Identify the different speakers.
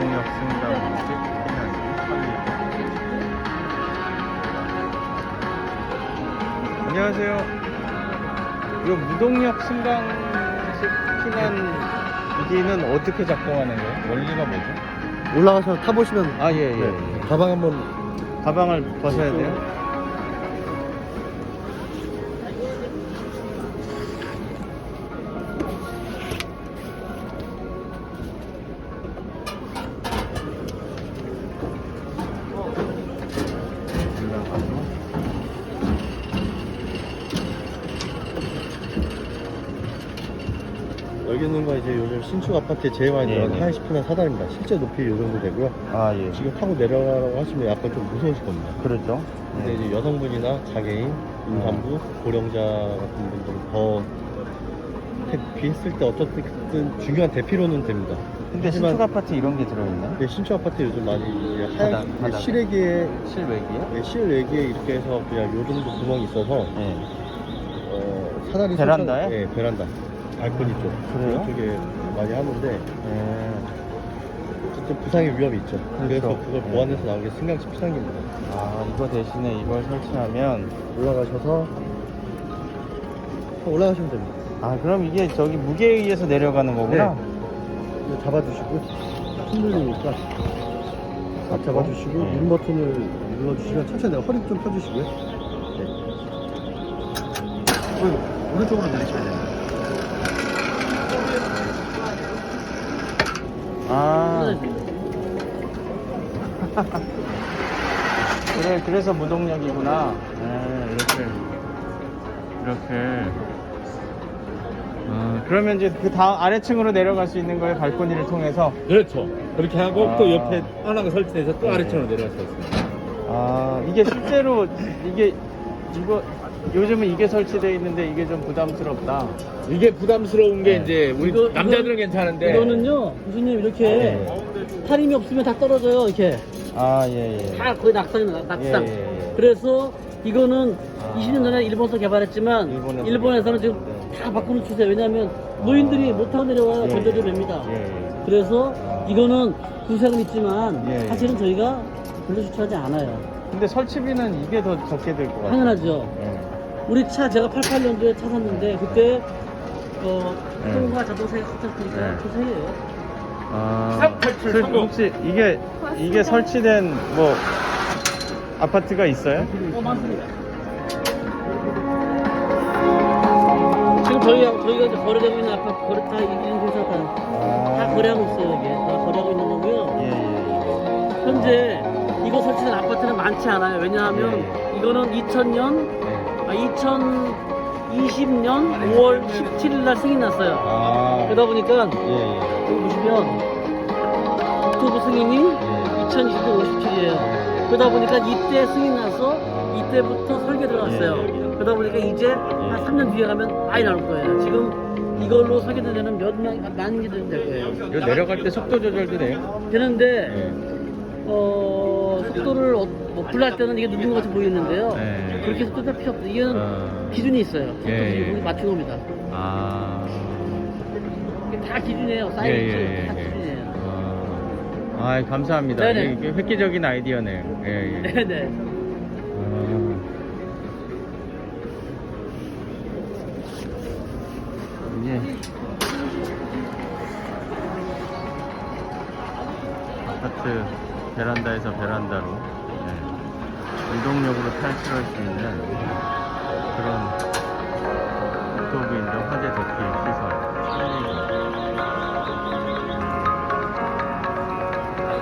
Speaker 1: 무동력 승강식 피난기 설립. 안녕하세요. 이 무동력 승강식 피난기는 어떻게 작동하는 거예요? 원리가 뭐죠?
Speaker 2: 올라가서 타보시면.
Speaker 1: 아, 예, 예.
Speaker 2: 네. 가방 한번.
Speaker 1: 가방을 벗어야 돼요?
Speaker 2: 여기 있는 거 이제 요즘 신축 아파트에 제일 많이 들어가는 하이시 피난 사다리입니다. 실제 높이 요 정도 되고요.
Speaker 1: 아, 예.
Speaker 2: 지금 타고 내려가라고 하시면 약간 좀 무서우실 겁니다.
Speaker 1: 그렇죠.
Speaker 2: 근데 이제 여성분이나 장애인, 임산부, 고령자 같은 분들 더 대피했을 때 어쨌든 중요한 대피로는 됩니다.
Speaker 1: 근데
Speaker 2: 하지만
Speaker 1: 신축 아파트 이런 게 들어있나?
Speaker 2: 네, 신축 아파트 요즘 많이 이제 하얀
Speaker 1: 바닥에?
Speaker 2: 실외기에
Speaker 1: 실외기요?
Speaker 2: 네, 실외기에 이렇게 해서 그냥 요 정도 구멍이 있어서
Speaker 1: 네.
Speaker 2: 사다리
Speaker 1: 베란다에?
Speaker 2: 네, 베란다 발코니 쪽
Speaker 1: 그래요?
Speaker 2: 그쪽에 많이 하는데
Speaker 1: 네.
Speaker 2: 어쨌든 부상의 위험이 있죠. 그래서
Speaker 1: 그렇죠.
Speaker 2: 그걸
Speaker 1: 네.
Speaker 2: 보완해서 나온 게 승강식 피난기입니다.
Speaker 1: 아, 이거 대신에 이걸 설치하면.
Speaker 2: 올라가셔서 올라가시면 됩니다.
Speaker 1: 아, 그럼 이게 저기 무게에 의해서 내려가는 거구나?
Speaker 2: 이거 잡아주시고 흔들리니까 딱 잡아주시고
Speaker 1: 네.
Speaker 2: 윈 버튼을 눌러주시면 천천히 허리 좀 펴주시고요. 네. 오른쪽으로 내리시면 됩니다.
Speaker 1: 아. 그래, 그래서 무동력이구나. 네, 이렇게. 그러면 이제 그 다음 아래층으로 내려갈 수 있는 거예요, 발코니를 통해서?
Speaker 3: 그렇죠. 그렇게 하고
Speaker 1: 아.
Speaker 3: 또 옆에 하나가 설치돼서 또
Speaker 1: 네.
Speaker 3: 아래층으로 내려갈 수 있습니다.
Speaker 1: 아, 이게 실제로 이거 요즘은 이게 설치되어 있는데 이게 좀 부담스럽다.
Speaker 3: 이게 부담스러운 게
Speaker 1: 네.
Speaker 3: 이제 우리 남자들은 괜찮은데
Speaker 4: 이거는요, 교수님 이렇게 타림이 없으면 다 떨어져요. 이렇게
Speaker 1: 아, 예.
Speaker 4: 다 거의 낙상.
Speaker 1: 예.
Speaker 4: 그래서 이거는
Speaker 1: 아.
Speaker 4: 20년 전에 일본에서 개발했지만 일본에서는 지금 다 바꾸는 추세. 왜냐하면 노인들이 못 타고 내려와요. 건조도 됩니다.
Speaker 1: 예.
Speaker 4: 그래서 이거는 구색은 있지만
Speaker 1: 예.
Speaker 4: 사실은 저희가 별로 추천하지 않아요.
Speaker 1: 근데 설치비는 이게 더 적게 들 것 같아요.
Speaker 4: 당연하죠.
Speaker 1: 예.
Speaker 4: 우리 차 제가 88년도에 차 샀는데 그때
Speaker 1: 네.
Speaker 4: 통과 자동차가 합쳤으니까
Speaker 1: 네.
Speaker 4: 그 세예요.
Speaker 1: 아,
Speaker 3: 387 성공.
Speaker 1: 혹시 이게 설치된 뭐 아파트가 있어요?
Speaker 4: 많습니다. 지금 저희가 이제 거래되고 있는 아파트 거래 다 이런 회사 다 거래하고 있어요. 이게 다 거래하고 있는 거고요.
Speaker 1: 예.
Speaker 4: 현재 이거 설치된 아파트는 많지 않아요. 왜냐하면 이거는 2020년 5월 17일 날 승인 났어요.
Speaker 1: 아,
Speaker 4: 그러다 보니까
Speaker 1: 예.
Speaker 4: 여기 보시면 국토부 승인이 2020년 57일이에요. 그러다 보니까 이때 승인 나서 이때부터 설계 들어갔어요. 그러다 보니까 이제 한 3년 뒤에 가면 많이 나올 거예요. 지금 이걸로 설계된 데는 만 개들 될 거예요.
Speaker 1: 이거 내려갈 때 속도 조절도 돼요?
Speaker 4: 되는데
Speaker 1: 예.
Speaker 4: 속도를 불날 때는 이게 누른 것 같이 보이는데요.
Speaker 1: 네.
Speaker 4: 그렇게 속도가 필요 없어요. 이거는 기준이 있어요. 속도
Speaker 1: 예.
Speaker 4: 기준이 맞춘 겁니다.
Speaker 1: 아.
Speaker 4: 이게 다 기준이에요. 사이즈 다 기준이에요.
Speaker 1: 아, 감사합니다.
Speaker 4: 네네.
Speaker 1: 이게 획기적인 아이디어네요. 예.
Speaker 4: 네네.
Speaker 1: 이게 아파트 베란다에서 베란다로 무동력으로 탈출할 수 있는